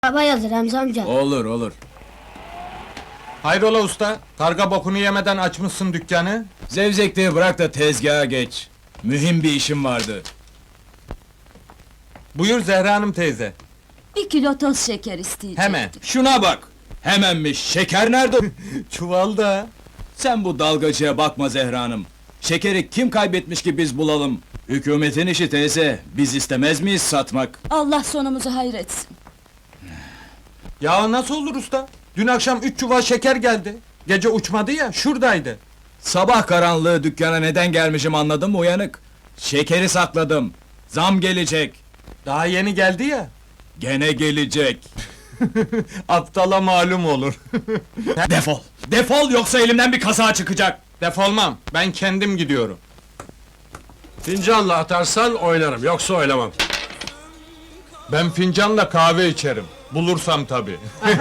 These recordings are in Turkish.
Araba yazır Remzi amca. Olur olur. Hayrola usta? Karga bokunu yemeden açmışsın dükkanı. Zevzekliği bırak da tezgaha geç. Mühim bir işim vardı. Buyur Zehra Hanım teyze. 1 kilo toz şeker isteyecektim. Hemen. Şuna bak! Hemenmiş, şeker nerede? Çuvalda. Sen bu dalgacıya bakma Zehra Hanım. Şekeri kim kaybetmiş ki biz bulalım? Hükümetin işi teyze, biz istemez miyiz satmak? Allah sonumuzu hayretsin. Ya nasıl olur usta? Dün akşam 3 çuval şeker geldi. Gece uçmadı ya, şuradaydı. Sabah karanlığı dükkana neden gelmişim anladın mı uyanık? Şekeri sakladım. Zam gelecek. Daha yeni geldi ya. Gene gelecek. Aptala malum olur. Defol! Defol yoksa elimden bir kaza çıkacak! Defolmam, ben kendim gidiyorum. Fincanla atarsan oynarım, yoksa oynamam. Ben fincanla kahve içerim. Bulursam tabii.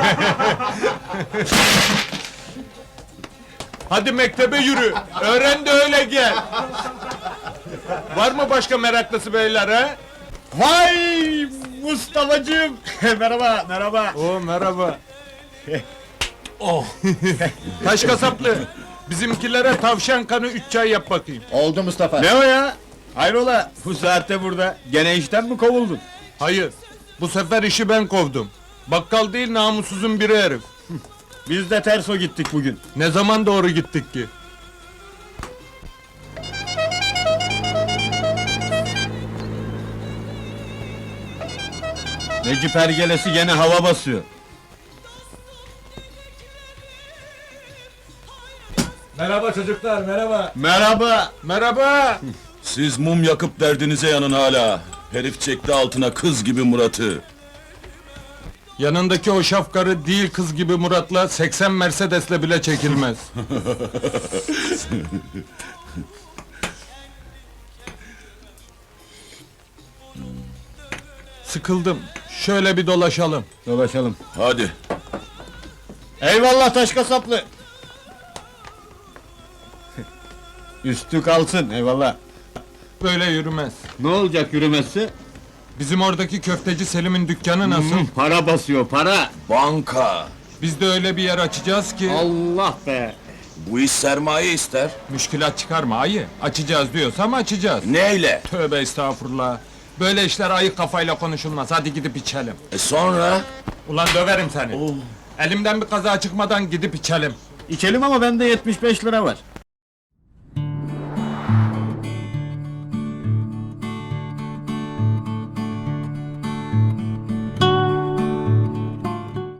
Hadi mektebe yürü. Öğren de öyle gel. Var mı başka meraklısı beyler ha? Vay Mustafa'cığım! Merhaba, merhaba. Oo merhaba. Oh. Taş kasaplı. Bizimkilere tavşan kanı 3 çay yap bakayım. Oldu Mustafa. Ne o ya? Hayrola, bu saatte burada. Gene işten mi kovuldun? Hayır. Bu sefer işi ben kovdum. Bakkal değil namussuzun biri herif. Biz de terso gittik bugün. Ne zaman doğru gittik ki? Necip Ergelesi gene hava basıyor. Merhaba çocuklar, merhaba. Merhaba. Merhaba. Siz mum yakıp derdinize yanın hala. Herif çekti altına kız gibi Murat'ı. Yanındaki o şafkarı değil kız gibi Murat'la 80 Mercedes'le bile çekilmez. Sıkıldım. Şöyle bir dolaşalım. Dolaşalım. Hadi. Eyvallah taş kasaplı. Üstü kalsın, eyvallah. Böyle yürümez. Ne olacak yürümesi? Bizim oradaki köfteci Selim'in dükkanı nasıl? Para basıyor, para. Banka. Biz de öyle bir yer açacağız ki... Allah be. Bu iş sermaye ister. Müşkilat çıkarma ayı. Açacağız diyorsam açacağız. Neyle? Tövbe estağfurullah. Böyle işler ayık kafayla konuşulmaz. Hadi gidip içelim. Sonra? Ulan döverim seni. Elimden bir kaza çıkmadan gidip içelim. İçelim ama bende 75 lira var.